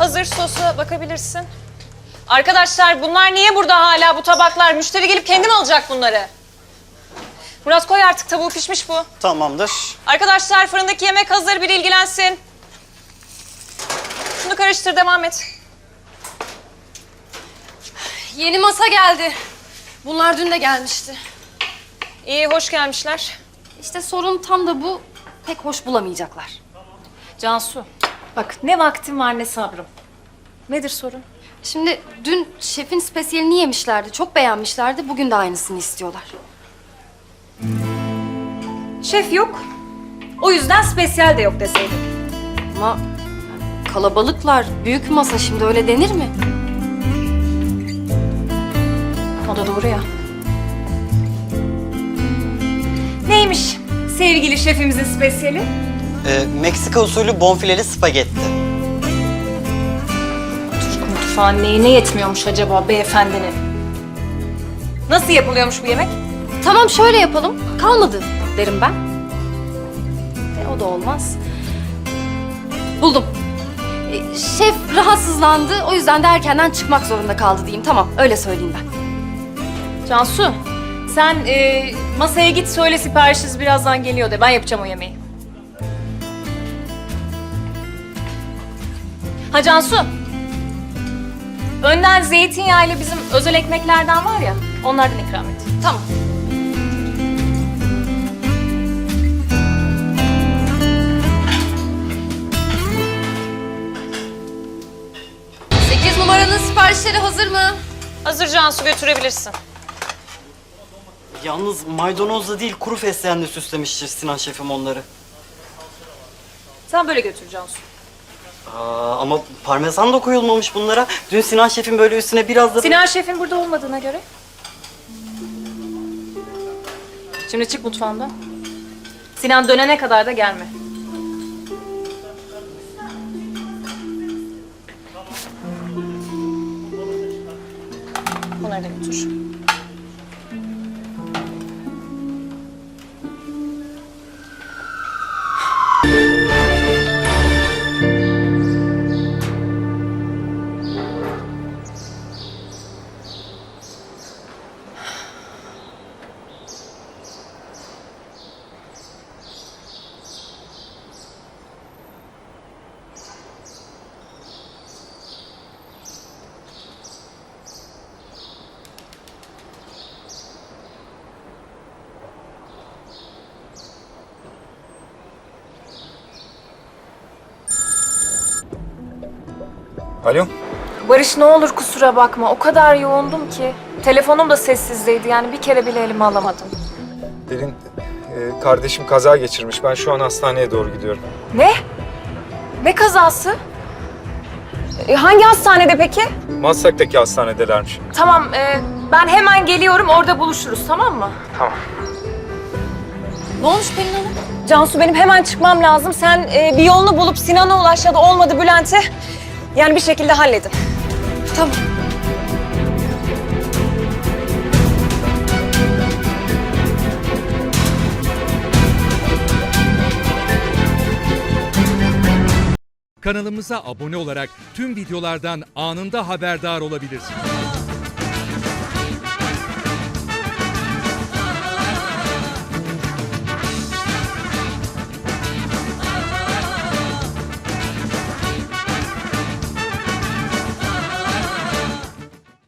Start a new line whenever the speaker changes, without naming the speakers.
hazır, sosa bakabilirsin. Arkadaşlar bunlar niye burada hala bu tabaklar? Müşteri gelip kendi mi alacak bunları? Murat koy artık, tavuğu pişmiş bu.
Tamamdır.
Arkadaşlar fırındaki yemek hazır, biri ilgilensin. Şunu karıştır, devam et.
Yeni masa geldi. Bunlar dün de gelmişti.
İyi, hoş gelmişler.
İşte sorun tam da bu. Pek hoş bulamayacaklar.
Cansu, bak ne vaktim var ne sabrım. Nedir sorun?
Şimdi dün şefin spesiyelini yemişlerdi. Çok beğenmişlerdi. Bugün de aynısını istiyorlar.
Şef yok. O yüzden spesiyel de yok deseydin.
Ama kalabalıklar, büyük masa, şimdi öyle denir mi?
O da doğru ya. Neymiş sevgili şefimizin spesiyeli?
Meksika usulü bonfileli spagetti.
Türk mutfağı neyine yetmiyormuş acaba beyefendinin? Nasıl yapılıyormuş bu yemek?
Tamam, şöyle yapalım. Kalmadı derim ben. O da olmaz. Buldum. Şef rahatsızlandı. O yüzden de erkenden çıkmak zorunda kaldı diyeyim. Tamam, öyle söyleyeyim ben.
Cansu, sen masaya git söyle siparişiniz birazdan geliyor de. Ben yapacağım o yemeği. Ha Cansu. Önden zeytinyağıyla bizim özel ekmeklerden var ya, onlardan ikram et.
Tamam. Sekiz numaranın siparişleri hazır mı?
Hazır Cansu, götürebilirsin.
Yalnız maydanozla değil kuru fesleğenle süslemiştir Sinan şefim onları.
Sen böyle götür Cansu.
Ama parmesan da koyulmamış bunlara. Dün Sinan şefim böyle üstüne biraz da...
Sinan şefin burada olmadığına göre. Şimdi çık mutfağından. Sinan dönene kadar da gelme. Bunları da götür.
Alo?
Barış ne olur kusura bakma. O kadar yoğundum ki. Telefonum da sessizdeydi, yani bir kere bile elime alamadım.
Derin, kardeşim kaza geçirmiş. Ben şu an hastaneye doğru gidiyorum.
Ne? Ne kazası? Hangi hastanede peki?
Maslak'taki hastanedelermiş.
Tamam, ben hemen geliyorum, orada buluşuruz, tamam mı?
Tamam.
Ne olmuş Pelin Hanım? Cansu, benim hemen çıkmam lazım. Sen bir yolunu bulup Sinan'a ulaş ya da olmadı Bülent'e. Yani bir şekilde halledin.
Tamam.
Kanalımıza abone olarak tüm videolardan anında haberdar olabilirsiniz.